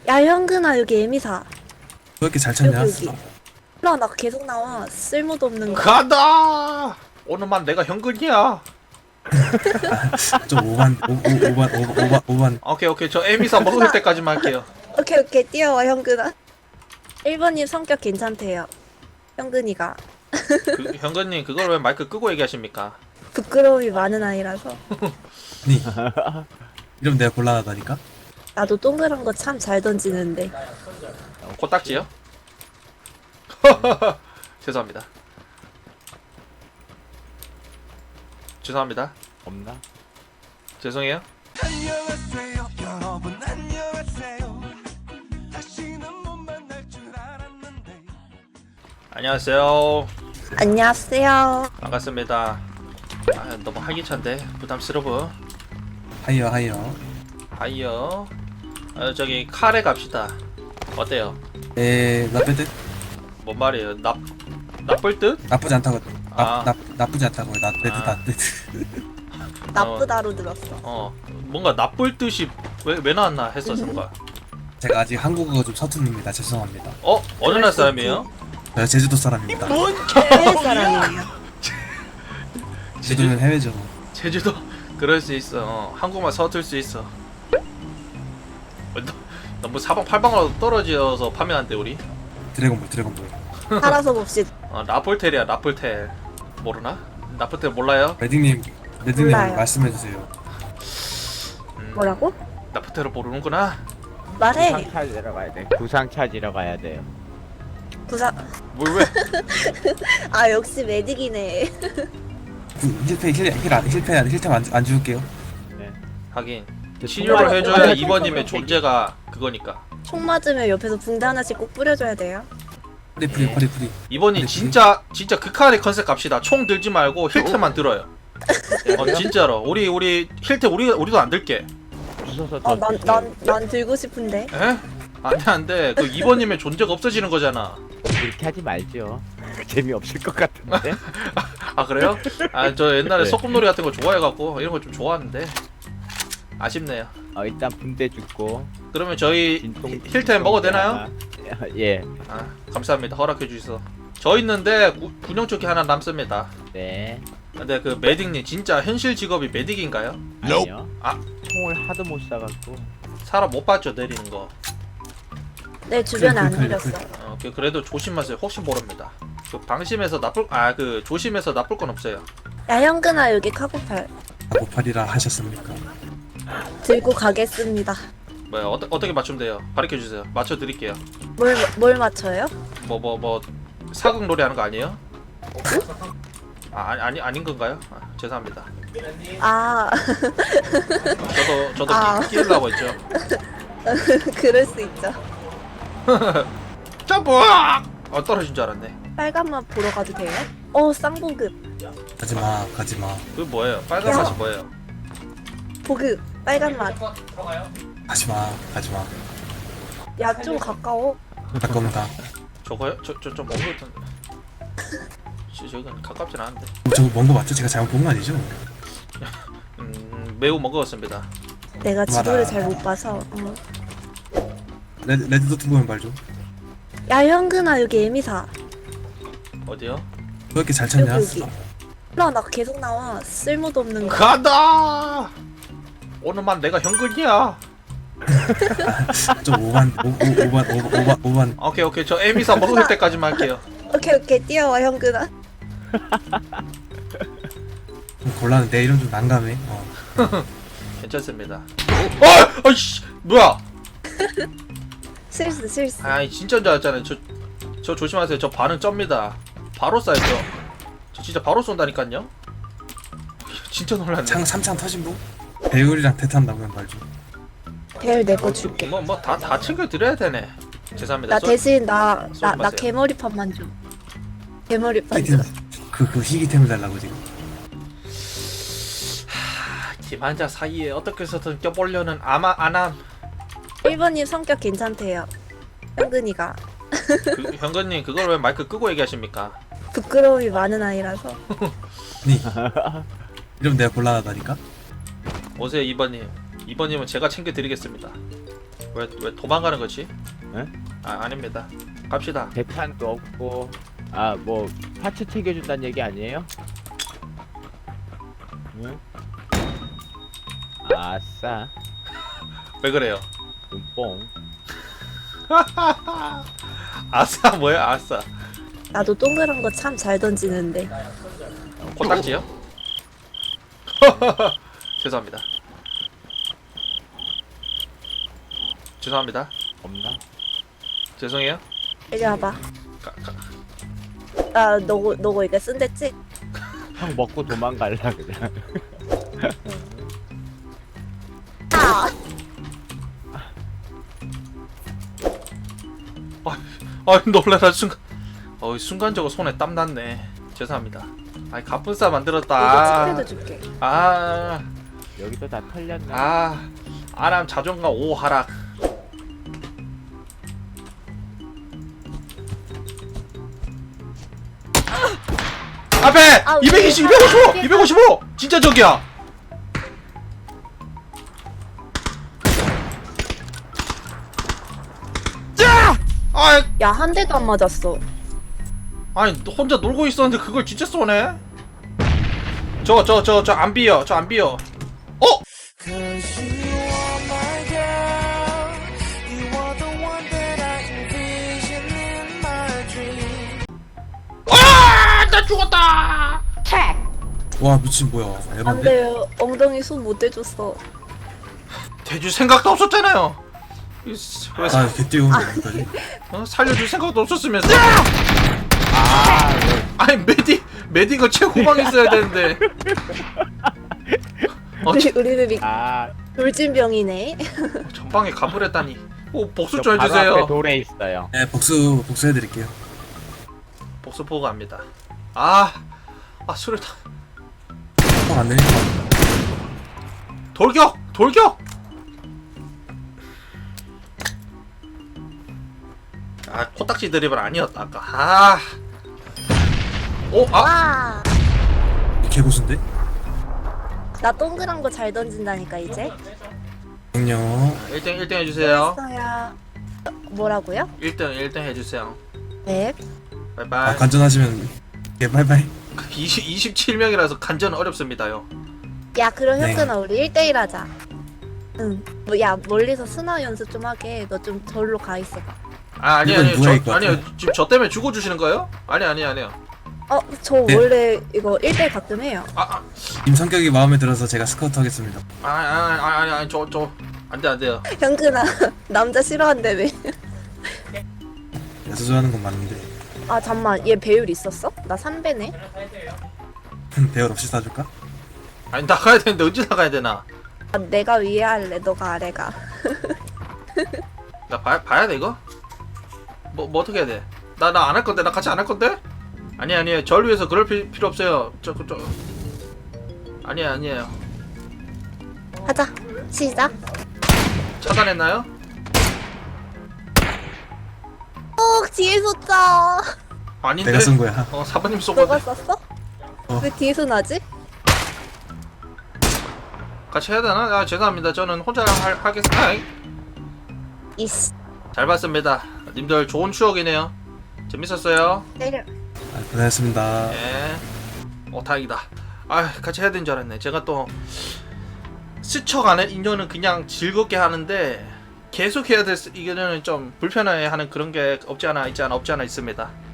야, 현근아, 여기 에미사. 왜 이렇게 잘 찾냐? 여기. 몰라, 나 계속 나와. 쓸모도 없는 거. 간다. 오늘만 내가 현근이야. 좀 오반. 오케이 저 에미사 먹을 때까지만 할게요. 오케이, 뛰어와, 현근아. 1번님 성격 괜찮대요. 현근이가. 그, 현근님 그걸 왜 마이크 끄고 얘기하십니까? 부끄러움이 많은 아이라서. 아니 이러면 내가 곤란하다니까? 나도 동그란 거 참 잘 던지는데. 코딱지요? 죄송합니다. 죄송합니다. 없나? 죄송해요. 안녕하세요 여러분 안녕하세요 다시는 못 만날 줄 알았는데 안녕하세요. 안녕하세요. 반갑습니다. 아, 너무 활기찬데 부담스러워. 하이어 하이요. 저기 카레 갑시다. 어때요? 나쁘지 뭔 말이에요? 나쁠 듯? 나쁘지 않다고 아. 나쁘지 않다고 나쁘지 나쁘다로 들었어. 뭔가 나쁠 듯이 왜 나왔나 했어 순간. 제가 아직 한국어가 좀 서툴릅니다. 죄송합니다. 어느 나라 사람이에요? 제가 제주도 사람입니다. 해외 사람이에요. 제주도는 해외죠. 제주도 그럴 수 있어. 한국말 서툴 수 있어. 너무 사방팔방으로 떨어져서 파면한데 우리. 드래곤볼 살아서 봅시다. 라폴텔이야 라폴텔. 모르나? 라폴텔 몰라요? 레딩님 몰라요. 말씀해주세요. 뭐라고? 라폴텔을 모르는구나. 말해. 구상 찾으러 가야 돼. 구상 찾으러 가야 돼요. 구사. 뭘 왜? 아, 역시 메딕이네. 힐템 안 줄게요. 네. 하긴 치료를 해줘야 이번님의 존재가 그거니까. 총 맞으면 옆에서 붕대 하나씩 꼭 뿌려줘야 돼요. 프리. 이번이 진짜 극한의 컨셉 갑시다. 총 들지 말고 힐템만 들어요. 진짜로 우리 힐템 우리도 안 들게. 부숴서 아, 더 난 들고 싶은데. 에? 안돼. 그 이번님의 존재가 없어지는 거잖아. 그렇게 하지 말죠. 재미없을 것 같은데. 아 그래요? 아 저 옛날에 네. 소꿉놀이 같은 거 좋아해갖고 이런 거 좀 좋아하는데 아쉽네요. 일단 붕대 죽고 그러면 저희 진통 힐템 먹어도 되나요? 하나. 예. 아 감사합니다. 허락해 주셔서. 저 있는데 군용조끼 하나 남습니다. 네. 근데 그 메딕님 진짜 현실 직업이 메딕인가요? 아니요. 아. 총을 하도 못 쏴갖고. 사람 못 봤죠 내리는 거. 내 주변에 안 그래. 내렸어. 그래도 조심하세요. 혹시 모릅니다. 그 방심해서 그 조심해서 나쁠 건 없어요. 야, 현근아, 여기 카고팔. 고팔이라 하셨습니까? 들고 가겠습니다. 뭐야 어떻게 맞추면 돼요? 가르쳐 주세요. 맞춰 드릴게요. 뭘 맞춰요? 뭐 사극 놀이 하는 거 아니에요? 아닌 건가요? 죄송합니다. 아, 저도 아. 끼려고 했죠. 그럴 수 있죠. 점프! 떨어진 줄 알았네. 빨간맛 보러 가도 돼요? 쌍보급. 가지마. 그 뭐예요? 빨간 야. 맛이 뭐예요? 보급. 빨간맛. 가지마. 야, 좀 가까워. 가까운다. 저거요? 좀 먼 거 같은데. 저건 가깝진 않은데. 저거 먼 거 맞죠? 제가 잘못 본 거 아니죠? 매우 먼 거 같습니다. 내가 지도를 맞아. 잘 못 봐서. 레드 도트 보면 말 좀. 야, 현근아, 여기 에미사. 어디요? 왜 이렇게 잘 찾냐? 여기. 몰라, 나 계속 나와. 쓸모도 없는 거. 간다! 오늘만 내가 현근이야. 좀 오반. 오케이 저 에미사 먹을 때까지만 할게요. 오케이, 뛰어와, 현근아. 좀 곤란해. 내 이름 좀 난감해. 괜찮습니다. 아이씨 뭐야? 실수. 아이 진짜인 줄 알았잖아요. 저 조심하세요. 저 반응 쩝니다. 바로 쏴요. 저 진짜 바로 쏜다니까요. 진짜 놀랐네. 창 3창 터진 분? 배율이랑 대탄다면 말 좀. 배율 내 거 줄게. 다 챙겨 드려야 되네. 죄송합니다. 나 대신 나 마세요. 개머리판만 줘. 개머리판 줘. 희귀템 그 희귀템을 달라고 지금. 김한자 사이에 어떻게 해서든 껴보려는 아마 안함. 1번님 성격 괜찮대요. 현근이가. 그, 현근님 그걸 왜 마이크 끄고 얘기하십니까? 부끄러움이 많은 아이라서. 아니 이러면 내가 곤란하다니까? 오세요 2번님. 2번님은 제가 챙겨 드리겠습니다. 왜 도망가는 거지? 네? 아 아닙니다. 갑시다. 대탄도 없고 아 뭐 파츠 챙겨준다는 얘기 아니에요? 응? 아싸 왜 그래요? 눈뽕. 아싸 뭐야 아싸. 나도 동그란 거 참 잘 던지는데. 코딱지요? 죄송합니다. 죄송합니다. 없나? 죄송해요. 이리 와봐. 가. 나 너거 이거 쓴댔지? 형 먹고 도망갈라 그냥. 아! 아 놀래라 순간. 순간적으로 손에 땀 났네. 죄송합니다. 아이 갑분싸 이거 만들었다. 찌개도 줄게. 아. 여기도 다 털렸네. 아람 자존감 5 하락. 앞에 아, 220, 왜? 255, 255. 진짜 저기야. 자! 야, 한 대도 안 맞았어. 아니 혼자 놀고 있었는데 그걸 진짜 쏘네. 저 안 비어. 저 안 비어. Cause you are my girl. You are the one that I envision in my dream. 나 죽었다. 와 미친 뭐야 안 에반데? 돼, 엉덩이 손 못 대줬어. 대줄 생각도 없었잖아요. 왜 아 개띄우는 거 여기까지? 살려줄 생각도 없었으면서. 아니 메디가 최후방에 있어야 되는데. 우리는 아, 돌진병이네. 전방에 가버렸다니. 복수 저 좀 바로 해주세요. 앞에 돌에 있어요. 네 복수해드릴게요. 복수 보고 갑니다. 술을 다. 안 내니까. 돌격. 코딱지 드리블 아니었다 아까. 와! 개고수인데? 나 동그란 거 잘 던진다니까, 이제. 안녕. 1등 해주세요. 했어야. 뭐라고요? 1등 해주세요. 네. 바이바이. 간전하시면 예 바이바이. 27명이라서 간전 어렵습니다요. 야, 그럼 네. 현근아, 우리 1대1 하자. 응. 야, 멀리서 스나 연습 좀 하게. 너 좀 절로 가 있어봐. 아니요. 이건 누가 이거 아니요. 지금 저 때문에 죽어주시는 거예요? 아니요. 저 네. 원래 이거 1대1 가끔 해요. 님 성격이 마음에 들어서 제가 스카우트 하겠습니다. 아니, 저 안 돼요. 현근아, 남자 싫어한다며. 야수조하는 건 맞는데 아, 잠만. 얘 배율 있었어? 나 3배네. 배열 없이 싸줄까? 아니 나가야 되는데 언제 나가야 되나? 아, 내가 위에 할래. 너가 아래 가. 나 봐야 돼 이거? 뭐 어떻게 해야 돼? 나 안 할 건데. 나 같이 안 할 건데? 아니에요. 절 위해서 그럴 필요 없어요. 아니에요. 하자. 시작. 차단했나요? 뒤에 쏟자. 아닌데. 내가 쏜 거야. 사부님 쏘고 너가 썼어? 어. 왜 뒤에서 나지? 같이 해야 되나? 죄송합니다. 저는 혼자 하겠습니다. 이씨. 잘 봤습니다. 님들 좋은 추억이네요. 재밌었어요. 때려. 고생했습니다. 예. 다행이다. 같이 해야 되는 줄 알았네. 제가 또 스쳐가는 인연은 그냥 즐겁게 하는데 계속 해야 될 이거는 좀 불편해하는 그런 게 없지 않아 있습니다.